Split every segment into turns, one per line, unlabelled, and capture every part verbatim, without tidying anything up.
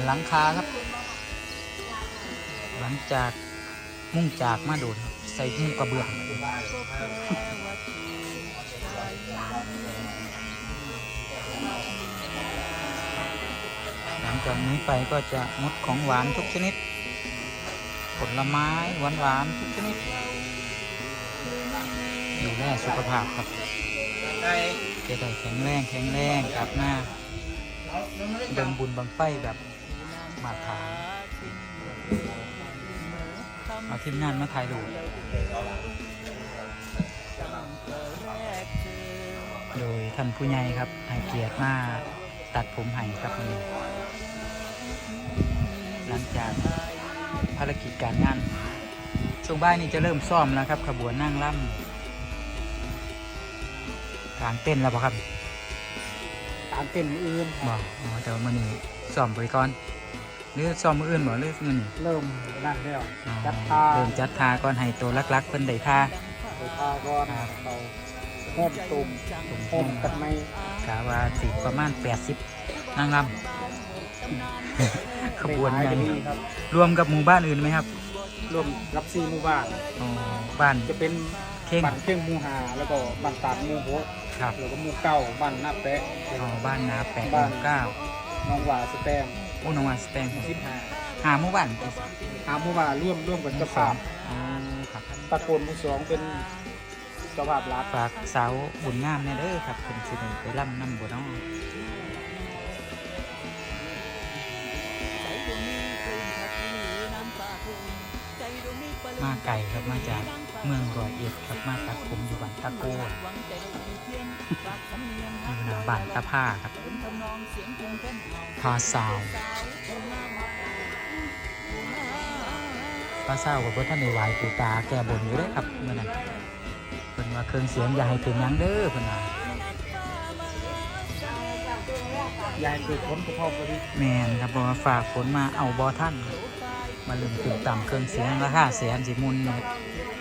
หลังคาครับหลังจากมุ่งจากมาโดนใส่มุ่งกระเบื้องหลังจากนี้ไปก็จะงดของหวานทุกชนิดผลไม้หวานหวานทุกชนิดดูแลสุขภาพครับจะได้แข็งแรงแข็งแรงครับหน้าเดินบุญบังไฟแบบมาถางเอาทีมงานมาถ่ายรูปโดยท่านผู้ใหญ่ครับให้เกียรติมาตัดผมให้ครับนี่หลังจากภารกิจการงานช่วงบ่ายนี้จะเริ่มซ่อมแล้วครับขบวนนั่งล่ำกลางเต้นแล้วป่ะครับ
กลางเต้นอื่น
บอกอ๋อแต่ว่ามันนี่ซ่อมไปก่อนหรือซ่อมมืออื่นบ่หรือมันนี่
เริ่มนั่นแล้ว
จัดทาเริ่มจัดทาก่อนให้ตัวลักๆเพิ่นได้ทา
ได้ทาก่อนเราโฮมตุ่มตุ่มโฮมกันไหม
กะว่าสิประมาณแปดสิบนั่งล่ำขบวนใหญ่รวมกับหมู่บ้านอื่นไหมครับ
รวมรับซีหมู่บ้าน
อ๋อบ้าน
จะเป็นบ้านเข่งหมู่หาแล้วก็บ้านตาดหมู่หก
ครับ
แล้วก็หมู่เก้าบ้านนาแปะ
อ๋อบ้านนาแปะหมู่เก้า
น้องหวาสแตง
โอ้น้องหวาสแตง
สิบห้า
หาหมู่บ้าน
หาหมู่บ้านร่วมร่วมกันเจ้าภาพ
อ๋อครับ
ตะโกนหมู่สองเป็นเจ้าภาพรัฐ
ฝากสาวบุญงามเนี่ยเด้อครับเป็นสิไปร่ำน้ำบุญน้องมาไก่ครับมาจากเมืองร้อยเอ็ดครับมาตัดผมอยู่บ้านตะโกนอยู่หน้าบ้านตะผ้าครับพาสาวพาสาวกับพระท่านในไหวปูตาแก่บนอยู่ได้ครับเมื่อนั้นเพิ่นว่าเครื่องเสียงอย่าให้เป็นยังเด้อเพิ่นว่า
อย่าให้เกิดผลกระทบไปดิ
แมนครับบอกว่าฝากฝนมาเอาบอท่านมาลืมถึงต่ำเครื่องเสียงราคาแสนสิมุนเมตร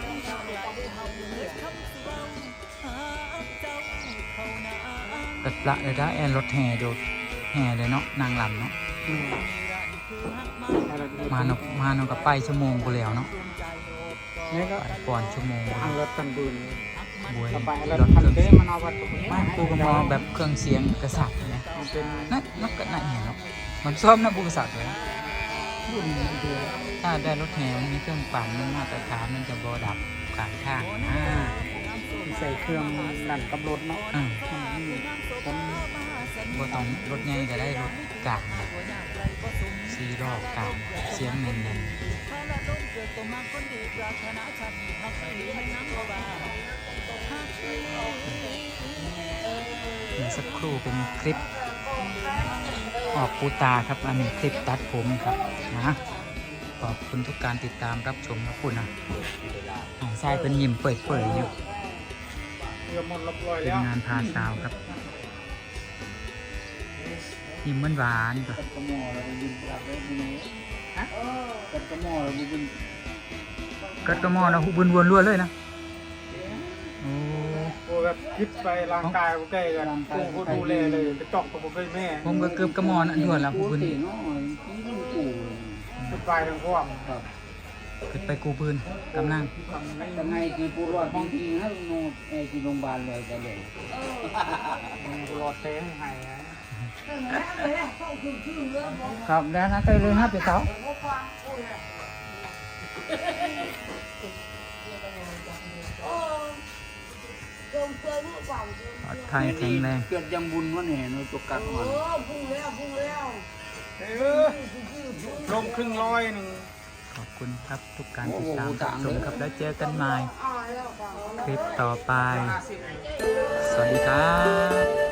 ตัดละเลยได้แอนรถแห่ดูแห่เลยเนาะนางลำเนาะมานกมานกกับไปชั่วโมงกูแล้วเนาะก่อนชั่วโมง
ทางรถกันบุญ
บวย
รถเครื่องเสียงมันเอาวัด
ไม่กูก็มองแบบเครื่องเสียงกษัตริย์เนี่ยนั่นนกกระนั่นเห็นเนาะมันซ่อมนะบุกษัตริย์เลยถ้าได้รถแห่มันมีเครื่องปั่นมันมาตรฐานมันจะบอดับกลางทางนะ
ใส่เครื่องนั่นกับรถเนาะ
บอต้องรถใหญ่ก็ได้รถกลางซีรอบกลางเสียงเน้นๆเดี๋ยวสักครู่เป็นคลิปออกปูตาครับอันนี้คลิปตัดผมครับนะขอบคุณทุกการติดตามรับชมครับคุณนะอ่างทรายเป็นยิ้มเปิดๆอยู่เป็นงานพาสาวครับยิ้มหวานๆก่อนกัดกระหม่อมนะหุบวนวนล้วนเลยนะโอ้
แบบคิดไปร่างกายผมใกล้กันกูดูแลเลยไปจอกกับผมไปแม่
ผมก็เกือบกระหม่อมอันด่วนละหุบวน
ขึ้นไปทางพวก
ขึ้นไปกูปืนกำลัง
ทำไงคือผู้รอดจริงๆนะโน่ไอ้ที่โรงพยาบาลเลยจะเลย
ผู้รอดเต้ให้ให้
ครับแล้วนะใกล้เลยฮะพี่สาว
ปลอดภัยแข็งแรง
เกิดยังบุญวะเนี่ยในตัวกัดมัน
ลงครึ่งร้อยหนึ่ง
ขอบคุณครับทุกการติดตามรับชมครับแล้วเจอกันใหม่คลิปต่อไปสวัสดีครับ